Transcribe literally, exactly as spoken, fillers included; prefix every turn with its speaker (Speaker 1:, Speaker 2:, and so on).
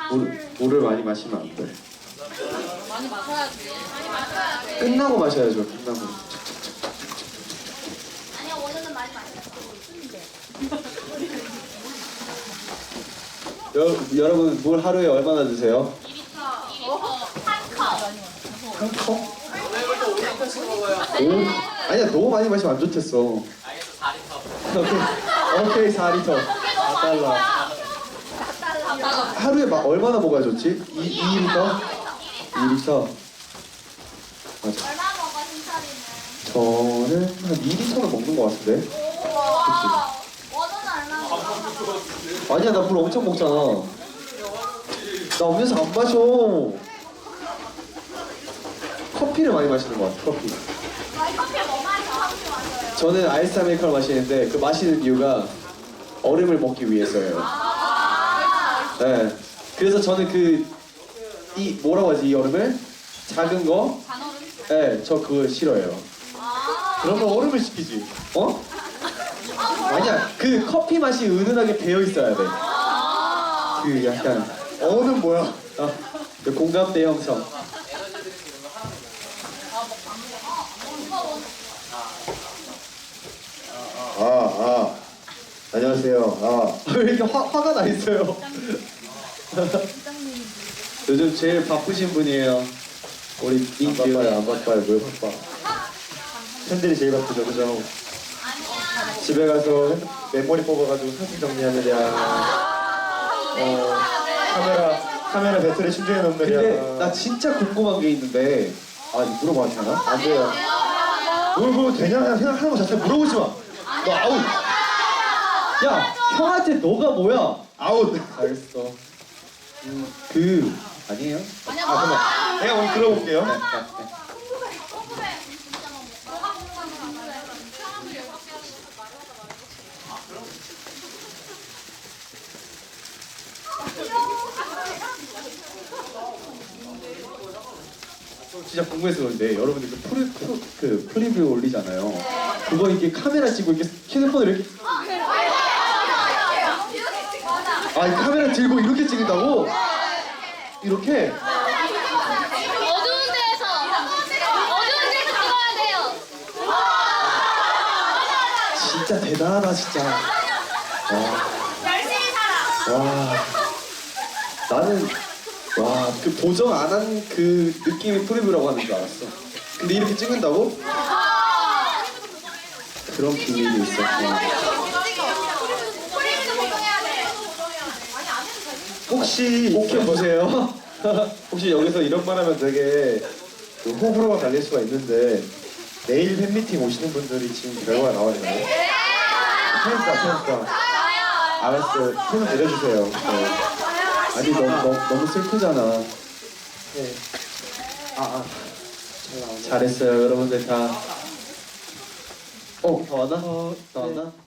Speaker 1: 물, 물을 많이 마시면 안 돼.
Speaker 2: 많이 마셔야지. 많이 마셔야 돼.
Speaker 1: 끝나고 마셔야죠. 끝나고.
Speaker 3: 아니야, 오늘은 많이 마셨어.
Speaker 1: 여, 여러분 물 하루에 얼마나 드세요?
Speaker 3: 이 리터. 한 컵.
Speaker 1: 한 컵? 오? 아니야, 너무 많이 마시면 안 좋댔어. 오케이, 오케이, 사 리터. 사 달러. 하루에 막 얼마나 먹어야 좋지? 이, 이 리터? 이 리터. 맞아.
Speaker 3: 얼마 먹어, 신철이는?
Speaker 1: 저는 한 이 리터는 먹는 것 같은데?
Speaker 3: 우와. 원호는 얼마 먹어?
Speaker 1: 아니야, 나 물 엄청 먹잖아. 나 음료수 안 마셔. 커피를 많이 마시는 것 같아, 커피.
Speaker 3: 저희 커피 뭐 마셔? 커피 마셔요.
Speaker 1: 저는 아이스 아메리카노 마시는데 그 마시는 이유가 얼음을 먹기 위해서예요.
Speaker 3: 아.
Speaker 1: 네. 그래서 저는 그 이 뭐라고 하지 이 얼음을 작은 거.
Speaker 2: 단어는?
Speaker 1: 네, 저 그거 싫어요.
Speaker 3: 아.
Speaker 1: 그러면 얼음을 시키지. 어? 아니야, 그 커피 맛이 은은하게 배어 있어야 돼. 그 약간 어는 뭐야? 아, 그 공감대 형성.
Speaker 4: 아, 아. 안녕하세요. 아.
Speaker 1: 왜 이렇게 화, 화가 나 있어요? 요즘 제일 바쁘신 분이에요. 우리
Speaker 4: 안
Speaker 1: 민규.
Speaker 4: 바빠요, 안 바빠요. 뭘 바빠. 팬들이 제일 바쁘죠, 그죠? 집에 가서 핸드- 메모리 뽑아가지고 사진 정리하느냐. 어, 카메라, 카메라 배터리 충전해 놓느냐.
Speaker 1: 근데 나 진짜 궁금한 게 있는데, 아 이거 물어봐도 되나?
Speaker 4: 안 돼요. 뭘 그거 되냐 생각하는 거 자체 물어보지 마. 너 아웃.
Speaker 1: 야, 형한테 너가 뭐야?
Speaker 4: 아웃.
Speaker 1: 알겠어. 음, 그 아니에요?
Speaker 2: 아니야,
Speaker 4: 아, 잠깐만. 내가 오늘 들어볼게요.
Speaker 3: 궁금해. 궁금해. 진짜 너무. 뭐가 궁금해?
Speaker 1: 진짜 궁금해서 그런데 여러분들 그 프리, 프로, 그 프리뷰 올리잖아요. 그거 이렇게 카메라 찍고 이렇게 휴대폰을 이렇게
Speaker 3: 맞아.
Speaker 1: 아, 이 카메라 들고 이렇게 찍는다고? 이렇게?
Speaker 3: 어두운 데에서. 어두운 데서 찍어야 돼요.
Speaker 1: 진짜 대단하다 진짜. 와,
Speaker 3: 열심히 살아.
Speaker 1: 와, 나는 와, 그 보정 안 한 그 느낌이 프리뷰라고 하는 줄 알았어. 근데 이렇게 찍는다고? 그런 비밀이 있었구나.
Speaker 3: 프리미도 보정해야 돼.
Speaker 4: 혹시
Speaker 1: 꼭 해보세요.
Speaker 4: 혹시 여기서 이런 말 하면 되게 그 호불호가 갈릴 수가 있는데 내일 팬미팅 오시는 분들이 지금 결과가 나왔나요? 그러니까 그러니까 알았어요. 손을 내려주세요. 네.
Speaker 1: 아니 너무 너무, 너무 슬프잖아.
Speaker 4: 네. 아, 아. 잘 나오네.
Speaker 1: 잘했어요 여러분들 다. 어, 다 왔나? 다 왔나?